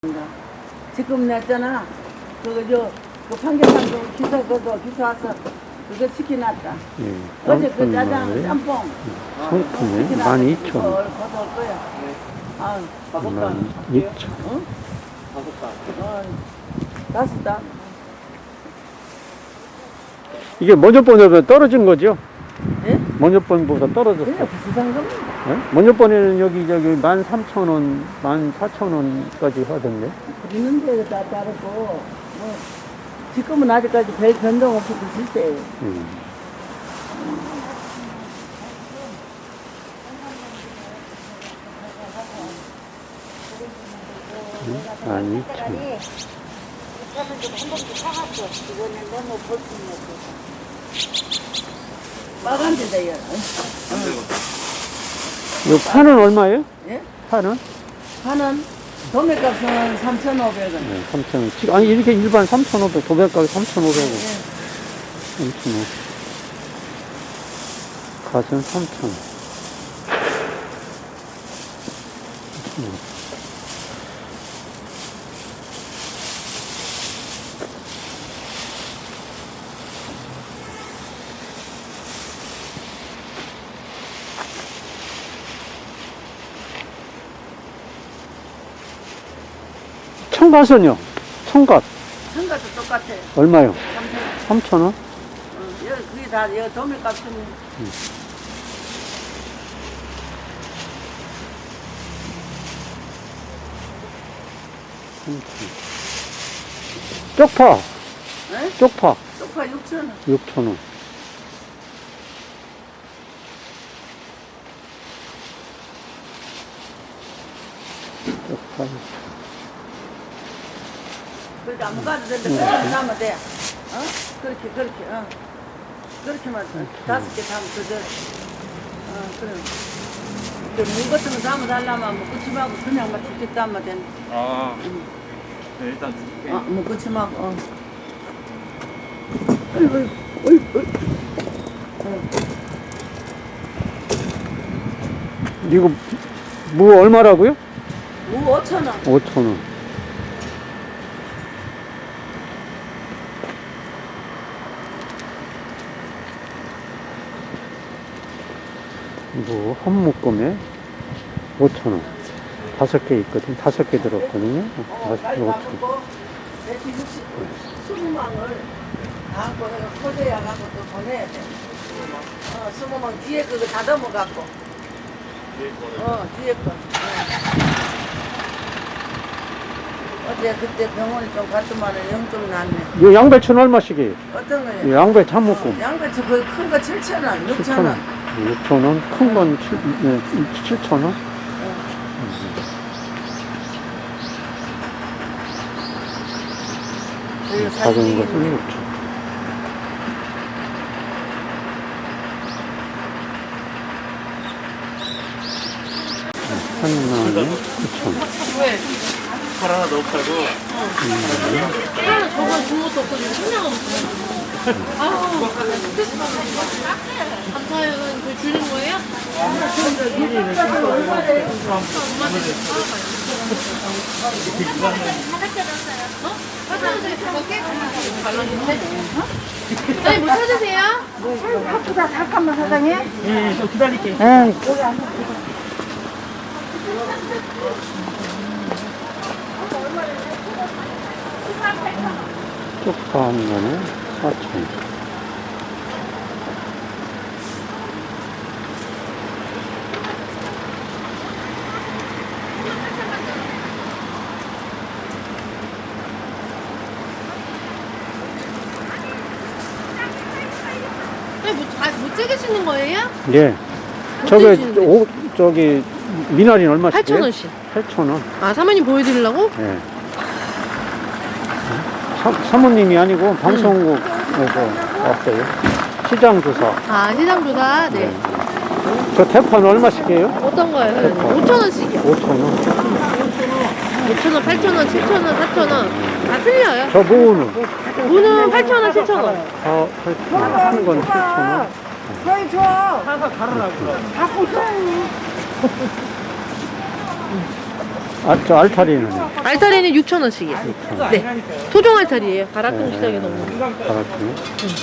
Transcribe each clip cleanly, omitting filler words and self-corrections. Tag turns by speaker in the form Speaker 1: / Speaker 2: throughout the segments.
Speaker 1: 지금 냈잖아. 그 판결판도 기사 와서 그거 시켜놨다.
Speaker 2: 예,
Speaker 1: 어제 그 짜장, 짬뽕.
Speaker 2: 상품에 12,000원.
Speaker 1: 걷어올 거야. 아,
Speaker 2: 12,000원.
Speaker 1: 응? 다섯 단.
Speaker 2: 이게 먼저 번보다 떨어진 거죠?
Speaker 1: 예?
Speaker 2: 먼저 번보다 떨어졌어.
Speaker 1: 그냥 비슷한 겁니다.
Speaker 2: 예? 먼저 번에는 여기 13,000원, 14,000원까지 하던데.
Speaker 1: 있는데 다 다르고, 지금은 아직까지 별 변동 없이 드실
Speaker 2: 음. 한 2,000원.
Speaker 1: 빨간데다요.
Speaker 2: 이 파는 얼마예요?
Speaker 1: 예?
Speaker 2: 파는?
Speaker 1: 파는 도매값은 3,500원.
Speaker 2: 네, 3,000원. 아니, 이렇게 일반 3,500, 도배가격 3,500원.
Speaker 1: 예.
Speaker 2: 3,500원. 갓은 3,000원. 청갓은요? 청갓.
Speaker 1: 청가도 똑같아요.
Speaker 2: 얼마요?
Speaker 1: 3,000원.
Speaker 2: 3,000원?
Speaker 1: 여기 그게 다 여기 도매값은
Speaker 2: 쪽파.
Speaker 1: 예?
Speaker 2: 쪽파.
Speaker 1: 소파 6,000원.
Speaker 2: 6,000원. 쪽파.
Speaker 1: 그렇게 아무 가도 되는데 그렇게 담으면 돼. 어? 그렇게. 그렇게만 다섯 개 담으면 그저. 그래. 무 같은 거 담아달라면 뭐 꾸침하고 그냥 막 직접 담으면 돼.
Speaker 3: 아, 네, 일단 줄게.
Speaker 1: 뭐 꾸침하고.
Speaker 2: 이거 무 얼마라고요?
Speaker 1: 무 5,000원.
Speaker 2: 5,000원. 무 한 묶음에 5,000원. 5개 있거든. 5개 들었거든요. 5,000원.
Speaker 1: 대충 20망을 다 갖고 내가 포대야 갖고 또 보내야 돼. 20망 뒤에 그거 다듬어 갖고. 뒤에 거. 어제 그때 병원에 좀 갔더만은 영좀 났네.
Speaker 2: 이 양배추는 얼마씩이에요?
Speaker 1: 어떤 거요?
Speaker 2: 이 양배추 한 묶음.
Speaker 1: 양배추 그 큰 거 7,000원, 6,000원.
Speaker 2: 6,000원. 큰 건 7,000원. 작은 것은 6,000원. 하나에 9,000원.
Speaker 1: 왜?
Speaker 3: 팔 하나 더 없다고?
Speaker 4: 저번 준 것도 없고 지금 생각 없어요. 아우, 감사해요. 그 주는 거예요? 아니, 뭐 찾으세요?
Speaker 1: 바쁘다 잠깐만 사장님.
Speaker 3: 예, 좀 기다릴게.
Speaker 2: 쪽파 한 건에 4,000원.
Speaker 4: 못 찍으시는 거예요?
Speaker 2: 예. 저기, 미나리는 얼마씩?
Speaker 4: 8,000원씩.
Speaker 2: 8,000원.
Speaker 4: 아, 사모님 보여드리려고?
Speaker 2: 예. 사모님이 아니고 방송국에서 왔어요. 시장 조사.
Speaker 4: 아, 시장조사? 네.
Speaker 2: 저 대파는 얼마씩이에요?
Speaker 4: 어떤 거예요? 5,000원씩이요.
Speaker 2: 5,000원.
Speaker 4: 5,000원, 8,000원, 7,000원, 4,000원. 다 틀려요.
Speaker 2: 저 무는?
Speaker 4: 무는 8,000원, 7,000원.
Speaker 2: 8,000원. 한 건 7,000원.
Speaker 1: 저희 줘.
Speaker 3: 하나 가르라고.
Speaker 1: 갖고 줘.
Speaker 2: 저 알타리는
Speaker 4: 알타리는 6,000원씩이에요. 네. 토종 알타리예요. 가락동 시장에 넣는 거.
Speaker 2: 가락동.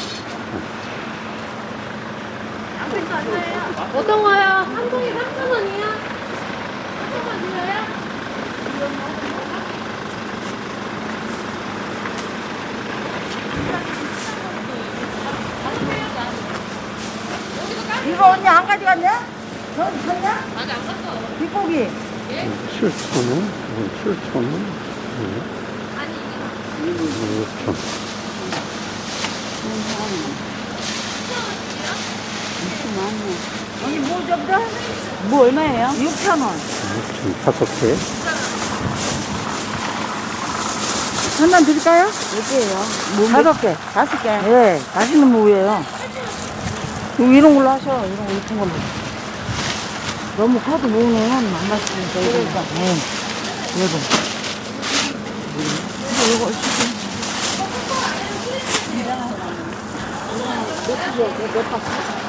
Speaker 4: 어떤 거요? 한 통에 3,000원이요? 한 통만 드려요?
Speaker 1: 이거 언니 안 가져갔냐? 저기 샀냐?
Speaker 4: 아직 안 갔어.
Speaker 1: 뒷고기.
Speaker 2: 7,000원, 7,000원, 6,000원.
Speaker 1: 언니 뭐 접다? 뭐 얼마예요? 6,000원.
Speaker 2: 5개.
Speaker 1: 한잔 드릴까요? 몇 개예요? 5개. 5개. 네, 맛있는 무예요. 이런 걸로 하셔. 이런 거 예쁜 걸로. 너무 커도 무는 안 맛있으니까. 그러니까. 네. 그래도. 이거 시켜. 몇 파?